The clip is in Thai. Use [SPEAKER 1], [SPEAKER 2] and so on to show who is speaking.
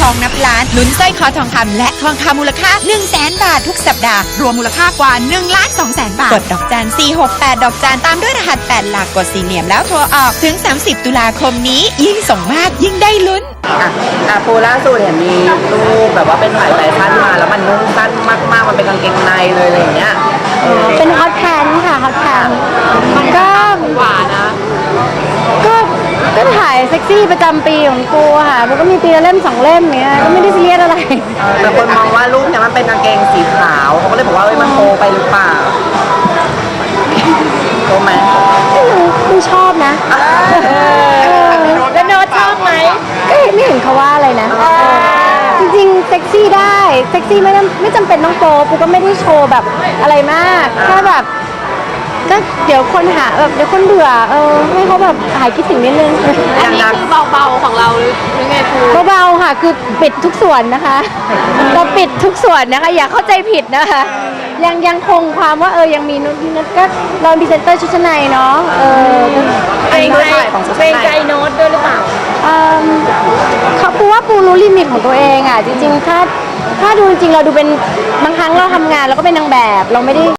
[SPEAKER 1] องนับล้านลุ้นสร้อยคอทองคำและทองคำมูลค่า 100,000 บาททุกสัปดาห์รวมมูลค่ากว่า 1,200,000 บาทกดดอกจัน468ดอกจันตามด้วยรหัส8หลักกด4เหลี่ยมแล้วโทรออกถึง30ตุลาคมนี้ยิ่งส่งมากยิ่งได้ลุ้น
[SPEAKER 2] ปูล่าสุดเห็นมีรูปแบบว่าเป็นถ่ายแฟชั่นมาแล้วมันนุ่งสั้นมากๆมันเป็นกางเกงในเลยอะไรอย่างเงี้ย
[SPEAKER 3] เป็นฮอตแพนค่ะฮอตแพนก็หวานนะก็ถ่ายเซ็กซี่ประจำปีของกูค่ะมันก็มีปีละเล่ม2 เล่มเนี้ยก็ไม่ได้ซีเรียสอะไร
[SPEAKER 2] แต่คนมองว่ารูปเนี่ยมันเป็นกางเกงสีขาวเขาก็เลยบอกว่ามันโตไปหรือเปล่าโตไหม
[SPEAKER 3] ไม่ชอบนะ
[SPEAKER 1] แล้วโน้ตชอบไหม
[SPEAKER 3] ก็ไม่เห็นเขาว่าอะไรนะจริงๆเซ็กซี่ได้เซ็กซี่ไม่จำเป็นต้องโตปูก็ไม่ได้โชว์แบบอะไรมากแค่แบบก็เดี๋ยวคนหาแบบเดี๋ยวคนเบื่อให้เขาแบบหายคิดถึงนิดนึง
[SPEAKER 1] อันนี้คือเบาๆของเราหรือไงครู
[SPEAKER 3] เบาๆค่ะคือปิดทุกส่วนนะคะเราปิดทุกส่วนนะคะอย่าเข้าใจผิดนะคะยังคงความว่ายังมีนุ่นก็เราพรีเซนเตอร์ชุดชั้นในเนาะ
[SPEAKER 1] เกรงใจโน้ตด้วยหรือเปล่า
[SPEAKER 3] เขาปูว่าปูรู้ลิมิตของตัวเองอ่ะจริงๆถ้าดูจริงๆเราดูเป็นบางครั้งเราทำงานเราก็เป็นนางแบบเราไม่ได้